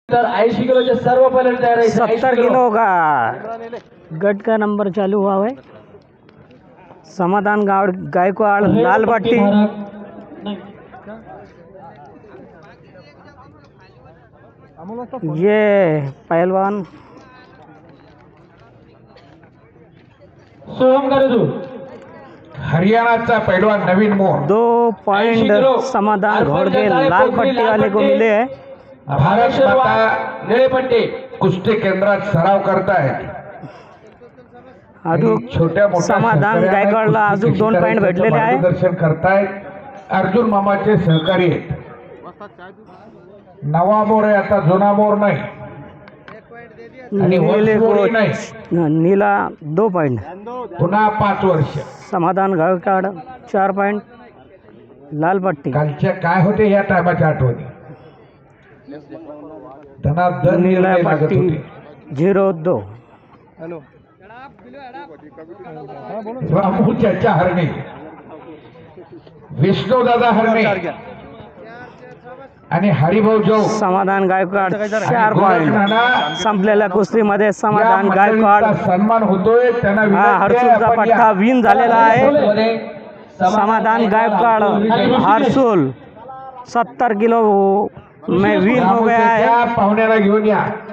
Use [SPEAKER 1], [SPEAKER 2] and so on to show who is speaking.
[SPEAKER 1] तर 80 किलो के सर्व पहले तैयार है
[SPEAKER 2] 70 किलो का गट का नंबर चालू हुआ है। समाधान गायकवाड़ लाल पट्टी, ये पहलवान
[SPEAKER 1] सोहम गरजू
[SPEAKER 3] हरियाणाचा पैलवान नवीन मोर
[SPEAKER 2] 2 पॉइंट समाधान घोड़गे लाल पट्टी वाले को मिले हैं।
[SPEAKER 3] भारत माता
[SPEAKER 1] निळे पट्टी
[SPEAKER 3] कुस्ती केंद्रात सराव करतायत।
[SPEAKER 2] अजून
[SPEAKER 3] छोट्या मोठ्या
[SPEAKER 2] समाधान
[SPEAKER 3] शेतकऱ्यांना
[SPEAKER 2] गायकवाडला
[SPEAKER 3] कुस्ती
[SPEAKER 2] अजून
[SPEAKER 3] कशी
[SPEAKER 2] 2 पॉइंट
[SPEAKER 3] करायचं
[SPEAKER 2] भेटलेले आहे।
[SPEAKER 3] मार्गदर्शन करतायत अर्जुन मामाचे सहकारी आहेत। नवा मोर आहे, आता जुना मोर नाही आणि
[SPEAKER 2] नीले को
[SPEAKER 3] वंशमोरी नाही।
[SPEAKER 2] नीला 2 पॉइंट,
[SPEAKER 3] पुन्हा 5 वर्ष।
[SPEAKER 2] समाधान गायकवाड़ 4 पॉइंट लाल पट्टी,
[SPEAKER 3] कालच्या काय होते या टायमाच्या आठवणी धनाधन
[SPEAKER 2] नीला
[SPEAKER 3] निर्णय लागत
[SPEAKER 2] पट्टी
[SPEAKER 3] होते।
[SPEAKER 2] 0-2
[SPEAKER 3] रामूच्या हरणे, विष्णुदादा हरणे आणि हरिभाऊ जो
[SPEAKER 2] समाधान गायकवाड़ 4
[SPEAKER 3] गोरख
[SPEAKER 2] पॉइंट।
[SPEAKER 3] नाना
[SPEAKER 2] संपलेल्या कुस्तीमध्ये
[SPEAKER 3] या
[SPEAKER 2] समाधान
[SPEAKER 3] मंडळींचा
[SPEAKER 2] गायकवाड़
[SPEAKER 3] सन्मान होतोय त्यांना
[SPEAKER 2] हा
[SPEAKER 3] विनंती आहे,
[SPEAKER 2] हरसूलचा
[SPEAKER 3] आपण
[SPEAKER 2] पट्टा
[SPEAKER 3] या.
[SPEAKER 2] विन झालेला आहे। समाधान गायकवाड़ हरसूल 70 किलो में विन हो गया है।
[SPEAKER 3] रामूच्या पाहुण्याला घेऊन या।